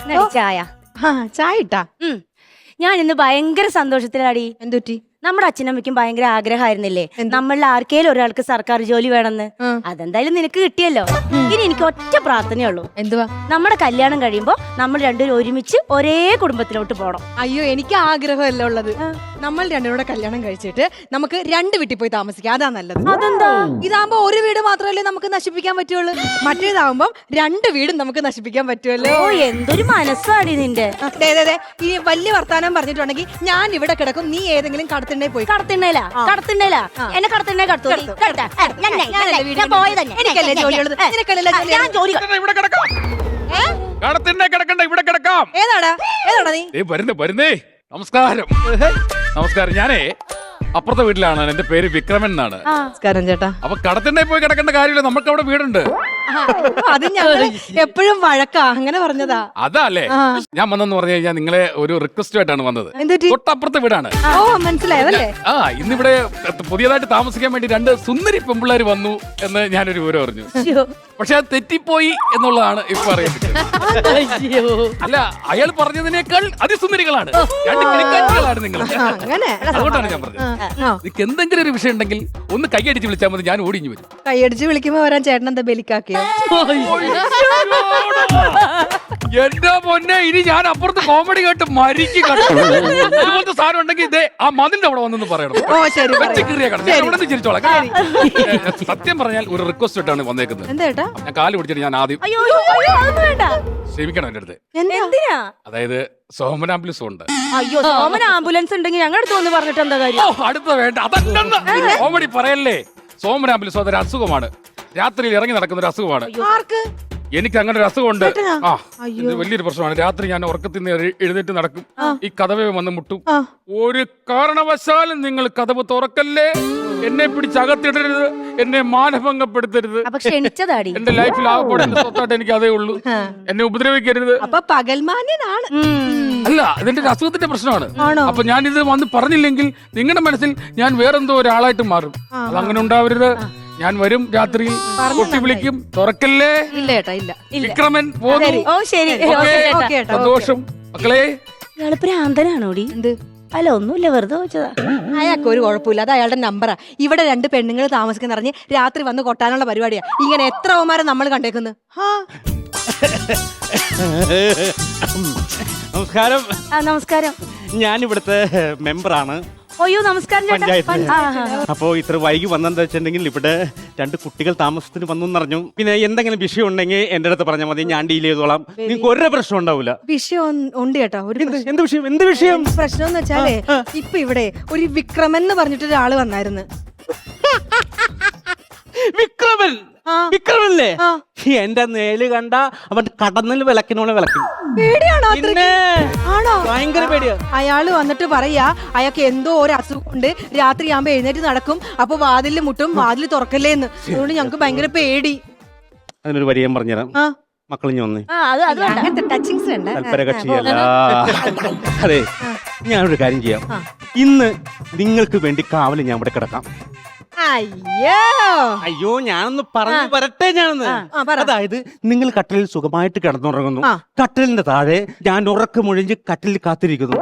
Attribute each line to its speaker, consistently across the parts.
Speaker 1: ചായ.
Speaker 2: ചായ ഇട്ടാ?
Speaker 1: ഞാൻ ഇന്ന് ഭയങ്കര സന്തോഷത്തിലാടി.
Speaker 2: എന്തുറ്റി?
Speaker 1: നമ്മുടെ അച്ഛനമ്മയ്ക്കും ഭയങ്കര ആഗ്രഹമായിരുന്നില്ലേ നമ്മളിൽ ആർക്കേലും ഒരാൾക്ക് സർക്കാർ ജോലി വേണമെന്ന്. അതെന്തായാലും നിനക്ക് കിട്ടിയല്ലോ. ഇനി എനിക്ക് ഒറ്റ പ്രാർത്ഥനയുള്ളൂ.
Speaker 2: എന്തുവാ?
Speaker 1: നമ്മുടെ കല്യാണം കഴിയുമ്പോ നമ്മൾ രണ്ടുപേരും ഒരുമിച്ച് ഒരേ കുടുംബത്തിലോട്ട് പോണം.
Speaker 2: അയ്യോ, എനിക്ക് ആഗ്രഹമല്ല ഉള്ളത്. നമ്മൾ രണ്ടുപേരുടെ കല്യാണം കഴിച്ചിട്ട് നമുക്ക് രണ്ട് വീട്ടിൽ പോയി താമസിക്കാം. അതാ നല്ലത്.
Speaker 1: അതെന്താ?
Speaker 2: ഇതാകുമ്പോ ഒരു വീട് മാത്രമല്ലേ നമുക്ക് നശിപ്പിക്കാൻ പറ്റുള്ളൂ. മറ്റേതാകുമ്പോ രണ്ട് വീടും നമുക്ക് നശിപ്പിക്കാൻ പറ്റുമല്ലോ.
Speaker 1: ഓ, എന്തൊരു മനസ്സാടി നിന്റെ.
Speaker 2: ഈ വലിയ വർത്താനം പറഞ്ഞിട്ടുണ്ടെങ്കിൽ ഞാൻ ഇവിടെ കിടക്കും, നീ ഏതെങ്കിലും കടത്തിണ്ടേ പോയി.
Speaker 1: കടത്തിണ്ടേലാ എന്നെ കടത്തിണ്ടേ
Speaker 2: എനിക്കല്ലേ ജോലിയുള്ളത്, നിനക്കല്ലേ ജോലി.
Speaker 3: ഇവിടെ കിടക്കാം.
Speaker 2: ഏതാടാ നീ?
Speaker 3: വരുന്നേ. നമസ്കാരം. നമസ്കാരം. ഞാനേ അപ്പുറത്തെ വീട്ടിലാണ്. എന്റെ പേര് വിക്രമൻ എന്നാണ്.
Speaker 2: നമസ്കാരം ചേട്ടാ.
Speaker 3: അപ്പൊ കടത്തിണ്ടേ പോയി കിടക്കേണ്ട കാര്യമില്ല, നമുക്ക് അവിടെ വീടുണ്ട്.
Speaker 2: അത് ഞങ്ങൾ എപ്പോഴും വഴക്കാ, അങ്ങനെ പറഞ്ഞതാ.
Speaker 3: അതല്ലേ ഞാൻ വന്നെന്ന് പറഞ്ഞു കഴിഞ്ഞാൽ നിങ്ങളെ ഒരു റിക്വസ്റ്റ് ആയിട്ടാണ് വന്നത്. തൊട്ടപ്പുറത്തെ വീടാണ്.
Speaker 2: ഓ, മനസ്സിലായതല്ലേ?
Speaker 3: ഇന്നിവിടെ പുതിയതായിട്ട് താമസിക്കാൻ വേണ്ടി രണ്ട് സുന്ദരി പെമ്പിള്ളേർ വന്നു എന്ന് ഞാനൊരു വിവരം അറിഞ്ഞു. പക്ഷെ അത് തെറ്റിപ്പോയി എന്നുള്ളതാണ് ഇപ്പൊ അറിയുന്നത്. അല്ല, അയാൾ പറഞ്ഞതിനേക്കാൾ അതിസുന്ദരികളാണ്, രണ്ട് കിളിക്കാറ്റുകളാണ് നിങ്ങൾ. അതുകൊണ്ടാണ് ഞാൻ പറഞ്ഞത്. നിങ്ങൾക്ക് എന്തെങ്കിലും ഒരു വിഷയം ഉണ്ടെങ്കിൽ ഒന്ന് കൈയടിച്ച് വിളിച്ചാൽ മതി, ഞാൻ ഓടിഞ്ഞു വരും.
Speaker 2: കൈയടിച്ച് വിളിക്കുമ്പോ വരാൻ ചേട്ടൻ എന്താ ബലിക്കാക്കിയോ?
Speaker 3: എന്റെ പൊന്നെ, ഇനി ഞാൻ അപ്പുറത്ത് കോമഡി കേട്ട് മരിക്കും. ഇതുപോലത്തെ സാധനം ഉണ്ടെങ്കിൽ ഇതേ ആ മതിന്റെ അവിടെ വന്നെന്ന് പറയണം. ചിരിച്ചോളാം. സത്യം പറഞ്ഞാൽ ഒരു റിക്വസ്റ്റ് ആയിട്ടാണ് വന്നേക്കുന്നത്. ഞാൻ കാല് പിടിച്ചിട്ട് ഞാൻ ആദ്യം ക്ഷമിക്കണം എന്റെ അടുത്ത്.
Speaker 1: എന്തിനാ?
Speaker 3: അതായത് സോമൻ ആംബുലൻസ് ഉണ്ട്.
Speaker 1: അയ്യോ, സോമൻ ആംബുലൻസ് ഉണ്ടെങ്കിൽ ഞങ്ങളുടെ അടുത്ത് വന്ന് പറഞ്ഞിട്ട് എന്താ കാര്യം?
Speaker 3: അടുത്ത വേണ്ട, അതല്ലെന്ന് കോമഡി പറയല്ലേ. സോമൻ ആംബുലൻസ് അതൊരു അസുഖമാണ്, രാത്രിയിൽ ഇറങ്ങി നടക്കുന്ന ഒരു അസുഖമാണ്. എനിക്ക് അങ്ങനെ ഒരു അസുഖമുണ്ട്. ഇത് വലിയൊരു പ്രശ്നമാണ്. രാത്രി ഞാൻ ഉറക്കത്തിൽ നിന്ന് എഴുന്നേറ്റ് നടക്കും, ഈ കതവേ വന്ന് മുട്ടും. ഒരു കാരണവശാലും നിങ്ങൾ കതവ് തുറക്കല്ലേ, എന്നെ പിടിച്ച് അകത്തിടരുത്, എന്നെ മാനഭംഗപ്പെടുത്തരുത്. എന്റെ ലൈഫിൽ ആകെപ്പാടെ എന്റെ സ്വത്തായിട്ട് എനിക്ക് അതേ ഉള്ളൂ. എന്നെ ഉപദ്രവിക്കരുത്. അല്ല, ഇതിന്റെ അസുഖത്തിന്റെ പ്രശ്നമാണ്. അപ്പൊ ഞാൻ ഇത് വന്ന് പറഞ്ഞില്ലെങ്കിൽ നിങ്ങളുടെ മനസ്സിൽ ഞാൻ വേറെന്തോ ഒരാളായിട്ട് മാറും. അതങ്ങനെ ഉണ്ടാവരുത്. ഞാൻ വരും, രാത്രിയിൽ കൊട്ടി വിളിക്കും, തുറക്കല്ലേ. വിക്രമൻ പോന്നു. സന്തോഷം മക്കളെ.
Speaker 1: ഇയാള് ഭ്രാന്തനാണോടി? അല്ല, ഒന്നുമില്ല, വെറുതെ വെച്ചതാ.
Speaker 2: അയാൾക്ക് ഒരു കുഴപ്പമില്ല, അത് അയാളുടെ നമ്പറാ. ഇവിടെ രണ്ട് പെണ്ണുങ്ങൾ താമസിക്കുന്ന അറിഞ്ഞ് രാത്രി വന്ന് കൊട്ടാനുള്ള പരിപാടിയാ. ഇങ്ങനെ എത്ര ഓമാരെ നമ്മൾ കണ്ടേക്കുന്നു.
Speaker 4: നമസ്കാരം.
Speaker 1: നമസ്കാരം.
Speaker 4: ഞാൻ ഇവിടുത്തെ മെമ്പറാണ്.
Speaker 1: അയ്യോ, നമസ്കാരം.
Speaker 4: അപ്പോ ഇത്ര വൈകി വന്നെന്താ വെച്ചിട്ടുണ്ടെങ്കിൽ ഇവിടെ രണ്ട് കുട്ടികൾ താമസത്തിന് വന്നു എന്നറിഞ്ഞു. പിന്നെ എന്തെങ്കിലും വിഷയം ഉണ്ടെങ്കിൽ എന്റെ അടുത്ത് പറഞ്ഞാൽ മതി, ഞാൻ ഡീൽ ചെയ്തോളാം. നിങ്ങൾക്ക് ഒരു പ്രശ്നം ഉണ്ടാവില്ല.
Speaker 2: വിഷയം ഉണ്ട് കേട്ടോ.
Speaker 4: എന്ത് വിഷയം? എന്ത് വിഷയം?
Speaker 2: പ്രശ്നം എന്ന് വെച്ചാലേ, ഇപ്പൊ ഇവിടെ ഒരു വിക്രമൻ എന്ന് പറഞ്ഞിട്ട് ഒരാള് വന്നായിരുന്നു.
Speaker 4: വിക്രമൻ? വിക്രമല്ലേ? എന്റെ നേല് കണ്ട അവൻ കടന്നിൽ വിളക്കിനോളെ വിളക്കും. ഭയങ്കര പേടിയാ.
Speaker 2: അയാള് വന്നിട്ട് പറയാ അയാൾക്ക് എന്തോ ഒരു അസുഖമുണ്ട്, രാത്രി ആകുമ്പോ എഴുന്നേറ്റ് നടക്കും, അപ്പൊ വാതിലിൽ മുട്ടും, വാതിൽ തുറക്കല്ലേന്ന്. അതുകൊണ്ട് ഞങ്ങക്ക് ഭയങ്കര പേടി.
Speaker 4: അതിനൊരു വരി ഞാൻ പറഞ്ഞുതരാം. മക്കളിഞ്ഞ് വന്നേ. കക്ഷിയല്ല. അതെ, ഞാനൊരു കാര്യം ചെയ്യാം. ഇന്ന് നിങ്ങൾക്ക് വേണ്ടി കാവല് ഞാൻ ഇവിടെ കിടക്കാം. അയ്യോ, ഞാനൊന്ന് പറഞ്ഞു വരട്ടെ. അതായത് നിങ്ങൾ കട്ടിലിൽ സുഖമായിട്ട് കിടന്നുറങ്ങുന്നു, കട്ടിലിന്റെ താഴെ ഞാൻ ഉറക്കമൊഴിഞ്ഞ് കട്ടിലിൽ കാത്തിരിക്കുന്നു.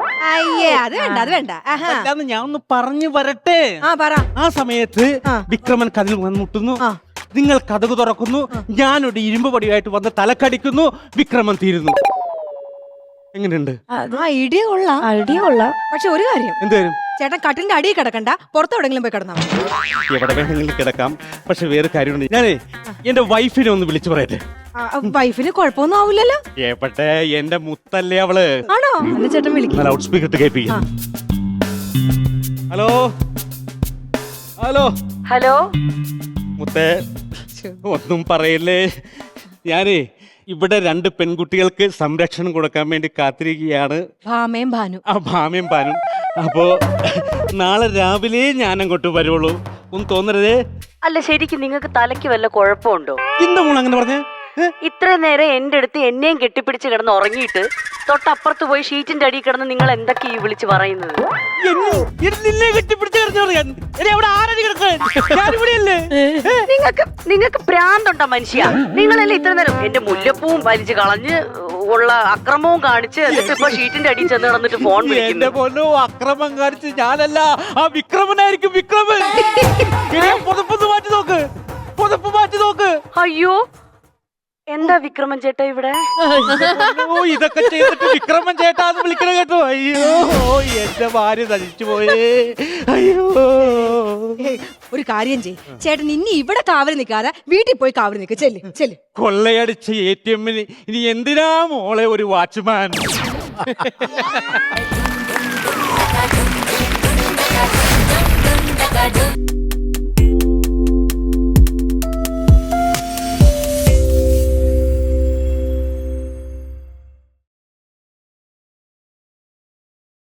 Speaker 4: ഞാൻ ഒന്ന് പറഞ്ഞു വരട്ടെ. ആ സമയത്ത് വിക്രമൻ കതിൽ വന്ന് മുട്ടുന്നു, നിങ്ങൾ കതക് തുറക്കുന്നു, ഞാനൊരു ഇരുമ്പ് പടിയായിട്ട് വന്ന് തലക്കടിക്കുന്നു, വിക്രമൻ തീരുന്നു. എങ്ങനെയുണ്ട്?
Speaker 2: ഐഡിയ കൊള്ളാം. പക്ഷെ ഒരു കാര്യം,
Speaker 4: എന്തുവരും
Speaker 2: ചേട്ടൻ കട്ടിലിന്റെ അടിയിൽ കിടക്കണ്ട, പുറത്തെവിടെങ്കിലും പോയി കിടന്നാ.
Speaker 4: എവിടെ വേണമെങ്കിലും കിടക്കാം. പക്ഷെ വേറെ കാര്യമുണ്ട്, ഞാനേ എന്റെ വൈഫിനെ ഒന്ന് വിളിച്ചു പറയട്ടെ.
Speaker 2: വൈഫിന് കുഴപ്പമൊന്നും ആവില്ലല്ലോ.
Speaker 4: എവിടെ, എന്റെ മുത്തല്ലേ അവള്.
Speaker 2: ആണോ? എന്നെ ചേട്ടൻ വിളിക്കും.
Speaker 4: ലൗഡ് സ്പീക്കർ ഇട്ട് കേൾപ്പിക്കാം. Hello hello
Speaker 1: hello.
Speaker 4: മുത്തേ, ഒന്നും പറയല്ലേ. ഞാനേ ഇവിടെ രണ്ട് പെൺകുട്ടികൾക്ക് സംരക്ഷണം കൊടുക്കാൻ വേണ്ടി കാത്തിരിക്കുകയാണ്.
Speaker 2: ഭാമയും
Speaker 4: ഭാനും. അപ്പോ നാളെ രാവിലെ ഞാൻ അങ്ങോട്ട് വരുള്ളൂ. ഒന്നും തോന്നരുതേ.
Speaker 1: അല്ല, ശരിക്കും നിങ്ങൾക്ക് തലയ്ക്ക് വല്ല കുഴപ്പമുണ്ടോ?
Speaker 4: എന്താ മോൾ അങ്ങനെ പറഞ്ഞേ?
Speaker 1: ഇത്രയും നേരം എന്റെ അടുത്ത് എന്നെയും കെട്ടിപ്പിടിച്ച് കിടന്ന് ഉറങ്ങിയിട്ട് തൊട്ടപ്പുറത്ത് പോയി ഷീറ്റിന്റെ അടിയിൽ കിടന്ന് നിങ്ങൾ എന്തൊക്കെ ഈ വിളിച്ച് പറയുന്നത്?
Speaker 4: നിന്നെ കെട്ടിപ്പിടിച്ച് കിടന്നു പറയാൻ അവിടെ ആരടി കിടക്കാൻ ഞാനിവിടെയല്ലേ?
Speaker 1: നിങ്ങൾക്ക് ഭ്രാന്തുണ്ടോ മനുഷ്യ? നിങ്ങളല്ലേ ഇത്ര നേരം എന്റെ മുല്ലപ്പൂവും വലിച്ചു കളഞ്ഞ് ഉള്ള അക്രമവും കാണിച്ച് എന്നിട്ട് ഇപ്പൊ ഷീറ്റിന്റെ അടിയിൽ ചെന്ന് കിടന്നിട്ട് ഫോൺ
Speaker 4: എന്റെ
Speaker 1: വിളിക്കുന്നു.
Speaker 4: പൊന്നോ, അക്രമം കാണിച്ച് ഞാനല്ല, ആ വിക്രമനായിരിക്കും. വിക്രമൻ പുതപ്പൊന്ന് മാറ്റി നോക്ക്, പുതപ്പ് മാറ്റി നോക്ക്.
Speaker 1: അയ്യോ, എന്താ വിക്രമൻ ചേട്ടാ ഇവിടെ?
Speaker 4: ഓ, ഇതൊക്കെ ചെയ്തിട്ട് വിക്രമൻ ചേട്ടാന്ന് വിളിക്കണ കേട്ടോ. അയ്യോ, എന്റെ ഭാര്യ നശിച്ചു പോയേ. അയ്യോ,
Speaker 2: ഒരു കാര്യം ചെയ് ചേട്ടൻ, ഇനി ഇവിടെ കാവൽ നിൽക്കാതെ വീട്ടിൽ പോയി കാവൽ നിൽക്ക്. ചെല്ല് ചെല്ല്.
Speaker 4: കൊള്ളയടിച്ച ATM-ന് ഇനി എന്തിനാ മോളെ ഒരു വാച്ച്മാൻ?